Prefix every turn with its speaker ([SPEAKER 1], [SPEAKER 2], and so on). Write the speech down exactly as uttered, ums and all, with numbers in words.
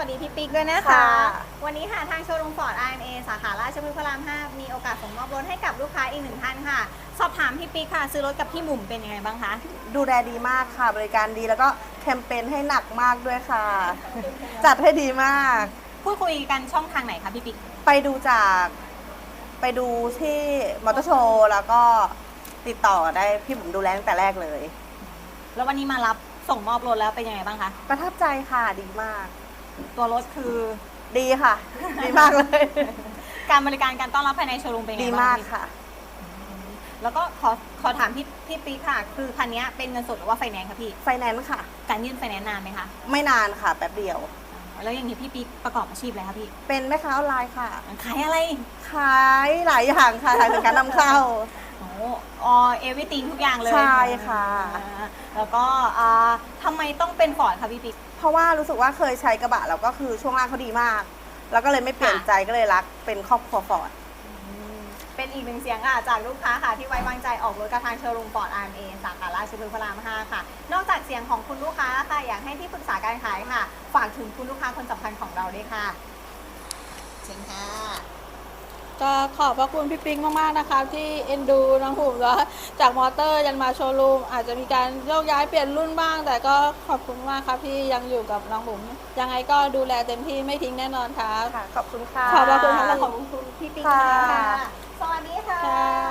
[SPEAKER 1] ดีพี่ปิ๊กด้วยนะคะ
[SPEAKER 2] ค่ะ
[SPEAKER 1] วันนี้ค่ะทางโชว์รูมฟอร์ด อาร์ เอ็ม เอ สาขาราชพฤกษ์พระราม ห้า มีโอกาสส่งมอบรถให้กับลูกค้าอีกหนึ่งท่านค่ะ สอบถามพี่ปิ๊กค่ะ ซื้อรถกับพี่หมุมเป็นยังไงบ้างคะ
[SPEAKER 2] ดูแลดีมากค่ะ บริการดีแล้วก็แคมเปญให้หนักมากด้วยค่ะ จัดให้ดีมาก
[SPEAKER 1] พูดคุยกันช่องทางไหนคะพี่ปิ๊ก
[SPEAKER 2] ไปดูจากไปดูที่มอเตอร์โชว์แล้วก็ติดต่อได้พี่ผมดูแลตั้งแต่แรกเลย
[SPEAKER 1] แล้ววันนี้มารับส่งมอบรถแล้วเป็นยังไงบ้างคะ
[SPEAKER 2] ประทับใจค่ะดีมาก
[SPEAKER 1] ตัวรถคือ
[SPEAKER 2] ดีค่ะ ดีมากเลย
[SPEAKER 1] การบริการการต้อนรับภายในโชว์รูมเป็นยัง
[SPEAKER 2] ดี
[SPEAKER 1] ไงบ้าง
[SPEAKER 2] มาก
[SPEAKER 1] พี่
[SPEAKER 2] ค่ะ
[SPEAKER 1] แล้วก็ขอขอถามพี่พี่ปิ๊กค่ะ คือคันนี้เป็นเงินสดหรือว่าไฟแนนซ์คะพี่
[SPEAKER 2] ไฟแนนซ์ค่ะ
[SPEAKER 1] การยื่นไฟแนนซ์นานไหมคะ
[SPEAKER 2] ไม่นานค่ะ แป๊บเดียว
[SPEAKER 1] แล้วอย่างนี้พี่ปิ๊กประกอบอาชีพอะไรคะพี่
[SPEAKER 2] เป็นแม่ค้าออนไลน์ค่ะ
[SPEAKER 1] ขายอะไร
[SPEAKER 2] ขายหลายอย่างค่ะขายสินค้านำเข้า
[SPEAKER 1] โอ้อเอวิติงทุกอย่างเลย
[SPEAKER 2] ใช่ค่ะ
[SPEAKER 1] อ่าแล้วก็อ่าทำไมต้องเป็นฟอร์ดคะพี่ปิ๊ก
[SPEAKER 2] เพราะว่ารู้สึกว่าเคยใช้กระบะแล้วก็คือช่วงล่างเขาดีมาก แล้วก็เลยไม่เปลี่ยน
[SPEAKER 1] ค่ะ
[SPEAKER 2] ใจก็เลยรักเป็นครอบครัวฟอร์ด
[SPEAKER 1] เป็นอีกหนึ่งเสียงค่ะจากลูกค้าค่ะที่ไว้วางใจออกรถกับทางโชว์รูมฟอร์ด อาร์ เอ็ม เอ สาขาราชพฤกษ์พระราม ห้า ค่ะ นอกจากเสียงของคุณลูกค้าค่ะอยากให้ที่ปรึกษาการขายค่ะ ฝากถึงคุณลูกค้าคนสำคัญของเราด้วยค่ะเชิญค่ะ
[SPEAKER 3] ก็ขอบพระคุณพี่ปิ๊งมากๆนะคะที่เอ็นดูน้องหุ่มแล้วจากมอเตอร์ยันมาโชว์รูมอาจจะมีการโยกย้ายเปลี่ยนรุ่นบ้าง แต่ก็ขอบคุณมากครับที่ยังอยู่กับน้องหุ่มยังไงก็ดูแลเต็มที่ไม่ทิ้งแน่นอนครับ
[SPEAKER 2] ค่ะ ขอบคุณค่ะ
[SPEAKER 3] ขอบพระคุณค่ะ
[SPEAKER 1] ขอบคุณพี่ปิ๊ก
[SPEAKER 2] ค่ะ
[SPEAKER 1] ค่ะ สวัสดีค่ะ
[SPEAKER 3] ค่ะ